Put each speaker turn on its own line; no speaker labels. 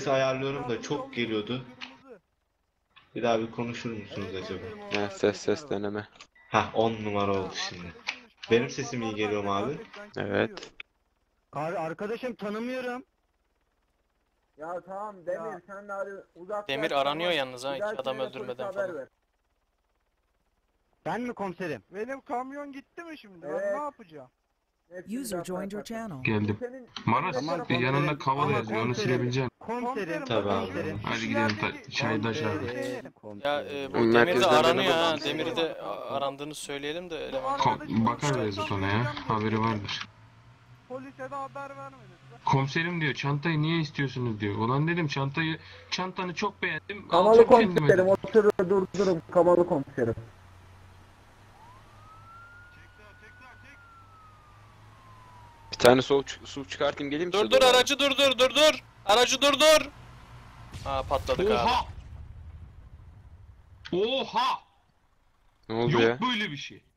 ayarlıyorum da çok geliyordu. Bir daha bir konuşur musunuz acaba?
Ya, ses deneme.
Hah 10 numara oldu şimdi. Benim sesim iyi geliyor mu abi?
Evet.
Arkadaşım tanımıyorum.
Ya tamam Demir sen de hadi uzaklaş.
Demir aranıyor
tamam.
yalnız ha,
Bir
hiç
dahakine
adam
de polise
öldürmeden
haber
falan.
ver.
Ben mi komiserim?
Benim kamyon gitti mi şimdi?
Evet.
Ben ne yapacağım?
Hepsini
User
zaten
joined your
yaparsın.
channel.
Geldim.
Senin-
Maras
Tamam,
yanında
komiserim.
kavala
Ama
yazıyor. Onu
komiserim.
silebileceksin.
Komiserim.
Tabii abi.
Komiserim.
Hadi gidelim çayda aşağı.
Ya bu Demir de
Merkezden
aranıyor
bana
ha.
bak.
Demir'i de arandığını söyleyelim de eleman.
Bakar Beyazıt ona ya. Haberi vardır.
Polise de haber vermedin.
Komiserim diyor çantayı niye istiyorsunuz diyor. Ulan dedim çantanı çok beğendim.
Kamalı
alacağım kendime
komiserim
dedim.
oturun durdurun kamalı komiserim.
Bir tane su çıkartayım geleyim mi size
Dur
doğru?
aracı dur. Aracı durdur. Ha patladık abi.
Oha! Oha!
Ne oldu
Yok
ya?
böyle bir şey.